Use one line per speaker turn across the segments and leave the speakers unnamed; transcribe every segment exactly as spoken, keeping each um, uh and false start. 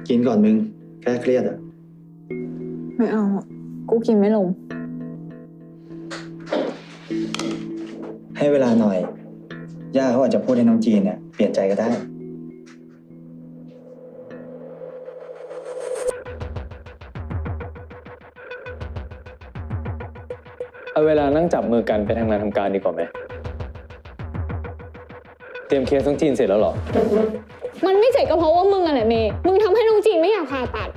กินก่อนมึงแก้เครียดอ่ะ
ไม่เอากูกินไม่ลง
ให้เวลาหน่อยย่าเขาอาจจะพูดให้น้องจีนเนี่ยเปลี่ยนใจก็ได้
เอาเวลานั่งจับมือกันไปทำงานทำการดีกว่าไหมเตรียมเคสน้องจีนเสร็จแล้วเหรอ
มันไม่เสร็จก็เพราะว่ามึงอะแหละเมย์มึงทำให้น้องจีนไม่อยากผ่าตัด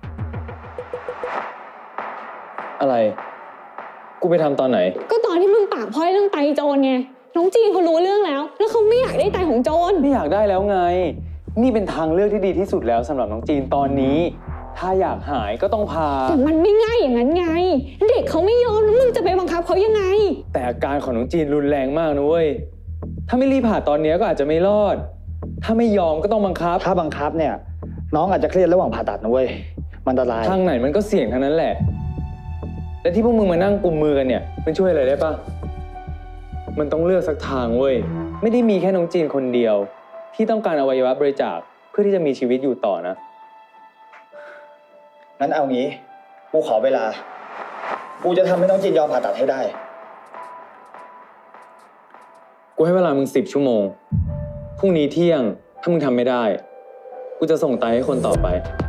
อะไรกูไปทำตอนไหน
ก็ตอนที่มึงปากพร่อยเรื่องไตโจรไงน้องจีนเขารู้เรื่องแล้วแล้วเขาไม่อยากได้ไตของโจร
ไม่อยากได้แล้วไงนี่เป็นทางเลือกที่ดีที่สุดแล้วสำหรับน้องจีนตอนนี้ถ้าอยากหายก็ต้องพา
แต่มันไม่ง่ายอย่างนั้นไงเด็กเขาไม่ยอมแล้วมึงจะไปบังคับเขายังไง
แต่อาการของน้องจีนรุนแรงมากนะเว้ยถ้าไม่รีบผ่าตอนนี้ก็อาจจะไม่รอดถ้าไม่ยอมก็ต้องบังคับ
ถ้าบังคับเนี่ยน้องอาจจะเครียดระหว่างผ่าตัดนะเว้ยมันอันตราย
ทางไหนมันก็เสี่ยงทั้งนั้นแหละและที่พวกมึงมานั่งกุมมือกันเนี่ยมันช่วยอะไรได้ปะมันต้องเลือกสักทางเว้ยไม่ได้มีแค่น้องจีนคนเดียวที่ต้องการอวัยวะบริจาคเพื่อที่จะมีชีวิตอยู่ต่อนะ
งั้นเอางี้กูขอเวลากูจะทำให้น้องจีนยอมผ่าตัดให้ได้
กูให้เวลามึงสิบชั่วโมงพรุ่งนี้เที่ยงถ้ามึงทำไม่ได้กูจะส่งไตให้คนต่อไป